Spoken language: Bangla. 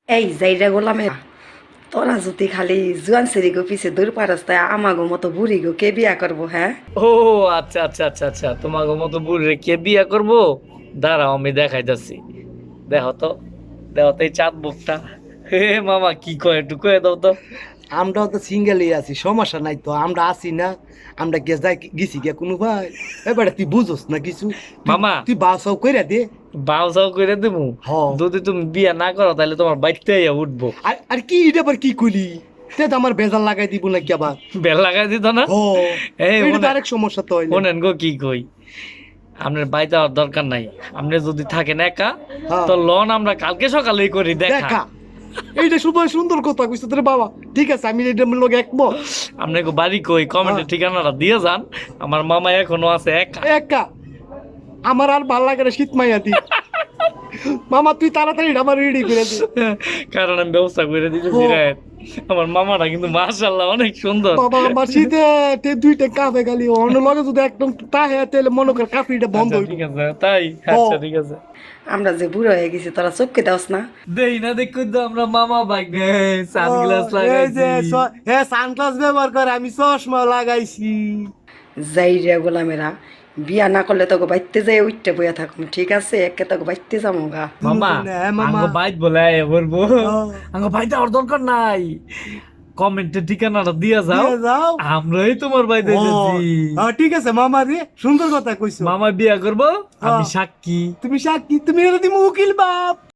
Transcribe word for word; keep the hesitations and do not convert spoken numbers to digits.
এই যাইরা গোলামে তোরা যদি খালি জুয়ান সেরিগো পিছে দূর পারস্তায় আমাগো মতো বুড়ি গো কে বিয়া করবো হ্যাঁ? ও আচ্ছা আচ্ছা আচ্ছা আচ্ছা তোমাকে মতো বুড়ে কে বিয়া করবো? দাঁড়াও আমি দেখাইতেছি। দেখো তো, দেখো তো এই চাঁদ বুকটা। হে মামা কি কয় একটু কয়ে দাও তো। আমরাও তো সিঙ্গেলই আছি, সমস্যা নাই তো। আমরা আছি না, আমরা গে যাই গেছি গে কোনো ভাই। এবারে তুই বুঝোস না কিছু। তুই- মামা। তুই বাসাও কইরা দে। বাউ যাও করে দেবো। হ। যদি তুমি বিয়া না করো তাহলে তোমার বাইতে উঠবো। আর আর কি এটা আবার কি কইলি? তে তো আমার বেজাল লাগাই দিব নাকি আবার? বেল লাগাই দিত না। ও এই এটা তো শোনেন, আরেক সমস্যা তো হইলে। শোনেন গো কি কই, আপনার বাইতে হওয়ার দরকার নাই। আপনি যদি থাকেন একা হ্যাঁ। তো লন আমরা কালকে সকালেই করি দেখা। দেখা, এইটা শুভ সুন্দর কথা কইছ তোর বাবা। ঠিক আছে, আমি এটা লোক একমত। আপনাকে বাড়ি কই কমেন্টে হ্যাঁ। ঠিকানাটা দিয়ে যান। আমার মামা এখনো আছে একা। একা আমার আর ভাল লাগে না, শীত মাইয়া দি। মামা তুই তাড়াতাড়ি আমার রেডি করে দে। কারণ আমি ব্যবস্থা করে দিতেছি ও। রে। আমার মামাটা কিন্তু মাশাআল্লাহ অনেক সুন্দর। বাবা আমার শীতে তে দুইটা কাফে খালি অন্য লগে যদি একদম তাহে তাহলে মনে কর কাফিটা বন্ধ আচ্ছা, হইব। ঠিক আছে তাই। আচ্ছা ঠিক আছে। আমরা যে বুড়ো হয়ে গেছি তোরা চোখকে দাওস না? দেই না দেখো তো আমরা মামা বাইক সানগ্লাস এই যে লাগাইছি। স- হে সানগ্লাস ব্যবহার করে, আমি চশমা লাগাইছি। যাইরা গোলামেরা বিয়া না করলে তোকে বাইতে যাই উঠতে বইয়া থাকুম, ঠিক আছে? একে তোকে বাইতে যাবো গা। মামা হ্যাঁ, মামা। আঙ্গ বাইক বলে আয় বলবো। হ্যাঁ। আঙ্গ বাইক দেওয়ার দরকার নাই, কমেন্টে ঠিকানাটা দিয়া যাও। দিয়ে যাও। আমরাই তোমার বাইক ও, দিতেছি। হ্যাঁ, ঠিক আছে মামা রে, সুন্দর কথা কইছো। মামা বিয়া করবো, আমি হ্যাঁ। সাক্ষী। তুমি সাক্ষী, তুমি এর দিমু উকিল বাপ।